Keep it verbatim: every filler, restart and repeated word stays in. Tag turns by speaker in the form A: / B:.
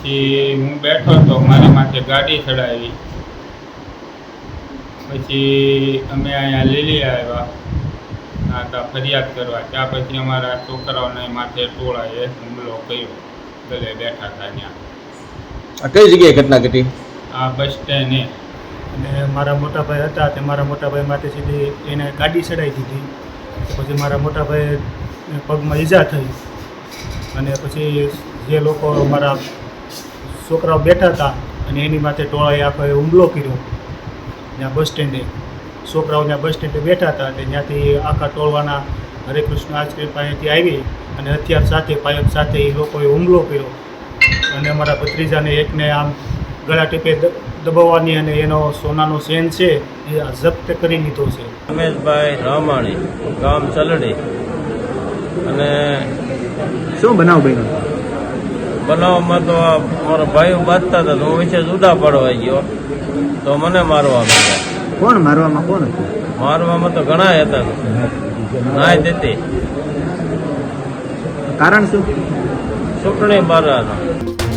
A: પછી હું બેઠો તો મારી માથે ગાડી ચડાવી. પછી અમે અહીંયા લીલી આવ્યા હતા ફરિયાદ કરવા. ત્યાં પછી અમારા છોકરાઓને માથે ટોળાએ હુમલો કર્યો. ગલે બેઠા હતા ત્યાં.
B: આ કઈ જગ્યાએ ઘટના ઘટી?
A: આ બસ સ્ટેન્ડે.
C: અને મારા મોટા ભાઈ હતા તે મારા મોટા ભાઈ માથે સીધી એને ગાડી ચડાવી દીધી. પછી મારા મોટા ભાઈ પગમાં ઈજા થઈ અને પછી જે લોકો મારા છોકરાઓ બેઠા હતા અને એની માથે ટોળાએ આખો હુમલો કર્યો. ત્યાં બસ સ્ટેન્ડે છોકરાઓ ત્યાં બસ સ્ટેન્ડે બેઠા હતા તે ત્યાંથી આખા ટોળવાના હરે કૃષ્ણ આશ્રમ પાસેથી આવી અને હથિયાર સાથે પાયક સાથે એ લોકોએ હુમલો કર્યો અને અમારા ભત્રીજાને એકને આમ ગળા ટીપે દબાવવાની અને એનો સોનાનો ચેન છે એ જપ્ત કરી લીધો છે.
D: રમેશભાઈ રામાણી, ગામ ચલડી. અને
B: શું બનાવ બન્યો?
D: બનાવમાં તો આ મારા ભાઈઓ બાંધતા હતા તો હું વિશે જુદા પડવા ગયો તો મને મારવા માંડ્યા.
B: કોણ મારવામાં કોણ હતું?
D: મારવામાં તો ઘણા હતા, નાય દેતી.
B: કારણ શું?
D: ચૂંટણી બારાનો.